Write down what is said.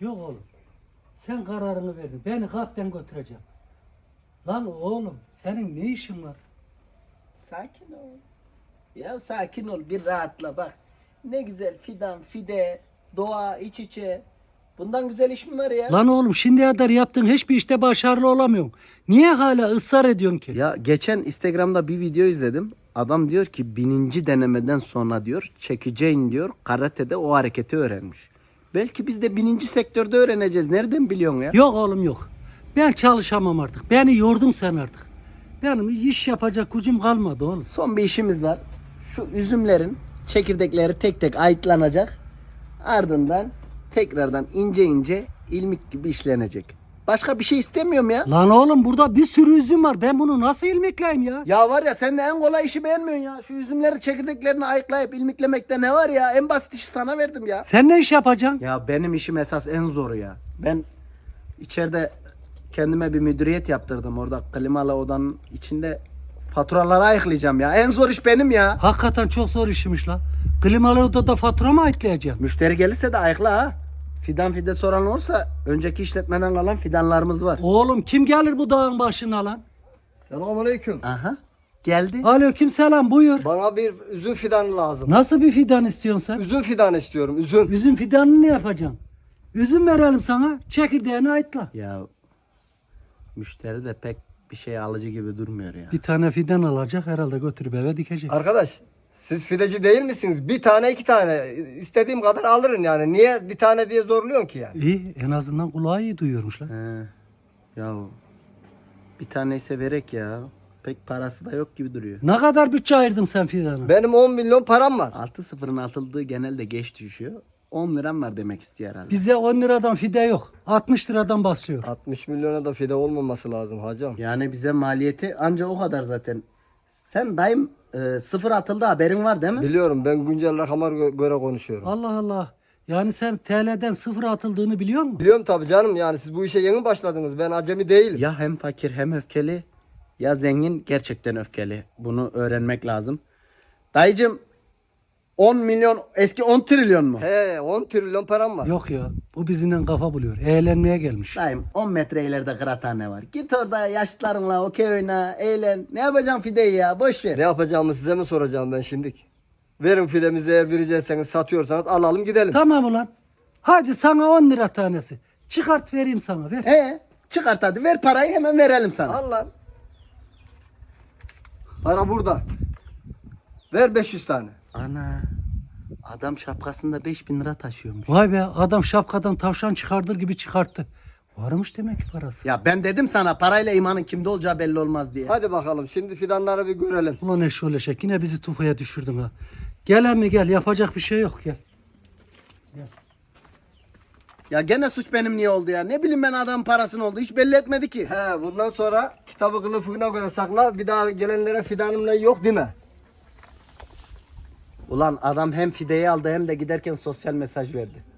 Yok oğlum. Sen kararını verdin. Beni kalpten götüreceğim. Lan oğlum senin ne işin var? Sakin ol. Ya sakin ol, bir rahatla bak. Ne güzel fidan, fide, doğa iç içe. Bundan güzel iş mi var ya? Lan oğlum şimdiye kadar yaptığın hiçbir işte başarılı olamıyorsun. Niye hala ısrar ediyorsun ki? Ya geçen Instagram'da bir video izledim. Adam diyor ki 1000. denemeden sonra diyor çekeceğin diyor karatede o hareketi öğrenmiş. Belki biz de 1000. sektörde öğreneceğiz. Nereden biliyorsun ya? Yok oğlum yok. Ben çalışamam artık. Beni yordun sen artık. Benim iş yapacak gücüm kalmadı oğlum. Son bir işimiz var. Şu üzümlerin çekirdekleri tek tek ayıtlanacak. Ardından tekrardan ince ince ilmik gibi işlenecek. Başka bir şey istemiyorum ya. Lan oğlum burada bir sürü üzüm var. Ben bunu nasıl ilmekleyeyim ya? Ya var ya sen de en kolay işi beğenmiyorsun ya. Şu üzümleri çekirdeklerini ayıklayıp ilmiklemekte ne var ya? En basit işi sana verdim ya. Sen ne iş yapacaksın? Ya benim işim esas en zoru ya. Ben içeride kendime bir müdüriyet yaptırdım. Orada klimalı odanın içinde faturaları ayıklayacağım ya. En zor iş benim ya. Hakikaten çok zor işmiş la. Klimalı odada fatura mı ayıklayacağım? Müşteri gelirse de ayıkla ha. Fidan fide soran olursa önceki işletmeden kalan fidanlarımız var. Oğlum kim gelir bu dağın başına lan? Selamünaleyküm. Aha. Geldi. Aleykümselam buyur. Bana bir üzüm fidanı lazım. Nasıl bir fidan istiyorsun sen? Üzüm fidanı istiyorum, üzüm. Üzüm fidanını ne yapacaksın? Üzüm verelim sana, çekirdeğini ayıtla. Ya müşteri de pek bir şey alıcı gibi durmuyor ya. Bir tane fidan alacak herhalde götürüp eve dikecek. Arkadaş, siz fideci değil misiniz? Bir tane iki tane istediğim kadar alırım yani. Niye bir tane diye zorluyorsun ki yani? İyi en azından kulağı iyi duyuyormuş lan. He. Ya bir tane ise verek ya. Pek parası da yok gibi duruyor. Ne kadar bütçe ayırdın sen fidana? Benim 10 milyon param var. 6-0'ın atıldığı genelde geç düşüyor. 10 liram var demek istiyor herhalde. Bize 10 liradan fide yok. 60 liradan başlıyor. 60 milyona da fide olmaması lazım hacım. Yani bize maliyeti anca o kadar zaten. Sen daim sıfır atıldı haberin var değil mi? Biliyorum, ben güncel rakama göre konuşuyorum. Allah Allah. Yani sen TL'den sıfır atıldığını biliyor musun? Biliyorum tabii canım, yani siz bu işe yeni başladınız. Ben acemi değilim. Ya hem fakir hem öfkeli ya zengin gerçekten öfkeli. Bunu öğrenmek lazım. Dayıcım 10 milyon eski 10 trilyon mu? He, 10 trilyon param var. Yok ya. Bu bizimle kafa buluyor. Eğlenmeye gelmiş. Dayım 10 metre ileride kıraathane var. Git orada yaşlılarınla okey oyna, eğlen. Ne yapacaksın fideyi ya? Boş ver. Ne yapacağımı size mi soracağım ben şimdilik? Verin fidemizi, eğer verecekseniz, satıyorsanız alalım gidelim. Tamam ulan. Hadi sana 10 lira tanesi. Çıkart vereyim sana ver. He, çıkart hadi ver parayı hemen verelim sana. Al lan. Para burada. Ver 500 tane. Ana adam şapkasında 5000 lira taşıyormuş. Vay be adam şapkadan tavşan çıkardır gibi çıkarttı. Varmış demek ki parası. Ya ben dedim sana parayla imanın kimde olacağı belli olmaz diye. Hadi bakalım şimdi fidanları bir görelim. Ulan eşşoğlu eşek yine bizi tufaya düşürdün ha. Gel emmi gel yapacak bir şey yok gel. Ya gene suç benim niye oldu ya? Ne bileyim ben adamın parasını oldu. Hiç belli etmedi ki. He, bundan sonra kitabı kılıfına göre sakla. Bir daha gelenlere fidanımla yok deme. Ulan adam hem fideyi aldı hem de giderken sosyal mesaj verdi.